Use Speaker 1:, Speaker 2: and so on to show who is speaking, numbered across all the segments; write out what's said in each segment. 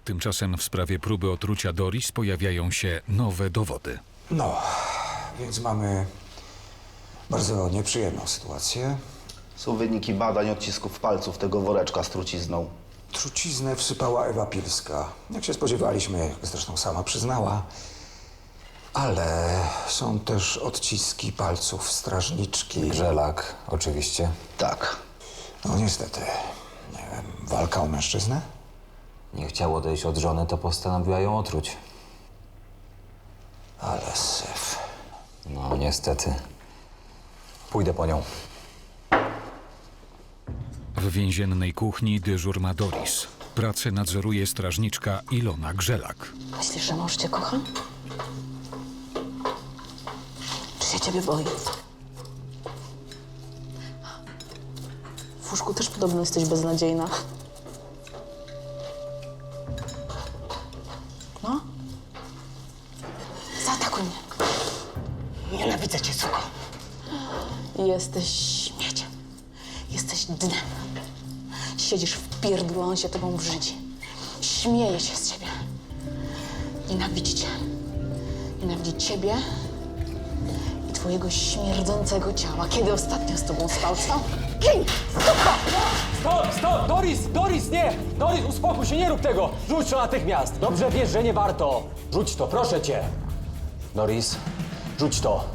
Speaker 1: Tymczasem w sprawie próby otrucia Doris pojawiają się nowe dowody.
Speaker 2: No, więc mamy bardzo nieprzyjemną sytuację.
Speaker 3: Są wyniki badań odcisków palców tego woreczka z trucizną.
Speaker 2: Truciznę wsypała Ewa Pilska. Jak się spodziewaliśmy, jak zresztą sama przyznała. Ale są też odciski palców strażniczki.
Speaker 4: Grzelak, oczywiście.
Speaker 3: Tak.
Speaker 2: No niestety, nie wiem, walka o mężczyznę?
Speaker 4: Nie chciał odejść od żony, to postanowiła ją otruć.
Speaker 2: Ale syf.
Speaker 4: No, niestety. Pójdę po nią.
Speaker 1: W więziennej kuchni dyżur ma Doris. Pracę nadzoruje strażniczka Ilona Grzelak.
Speaker 5: Myślisz, że mąż cię kocha? Czy się ciebie boi? W łóżku też podobno jesteś beznadziejna. No? Zaatakuj mnie. Nienawidzę cię, suko. Jesteś śmieciem. Jesteś dnem. Siedzisz w pierdlu, a on się tobą brzydzi. Śmieje się z ciebie. Nienawidzi cię. Nienawidzi ciebie i twojego śmierdzącego ciała. Kiedy ostatnio z tobą spał? Gin!
Speaker 6: Stop! Doris, nie! Doris, uspokój się, nie rób tego! Rzuć to natychmiast! Dobrze wiesz, że nie warto! Rzuć to, proszę cię! Doris, rzuć to!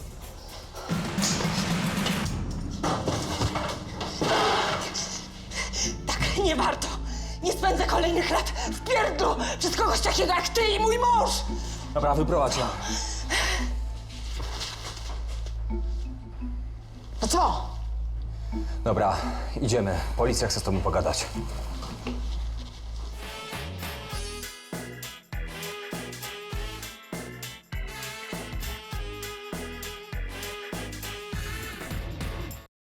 Speaker 5: Tak, nie warto. Nie spędzę kolejnych lat w pierdlu przez kogoś takiego jak ty i mój mąż!
Speaker 6: Dobra, wyprowadź ją.
Speaker 5: No co?
Speaker 6: Dobra, idziemy. Policja chce z tobą pogadać.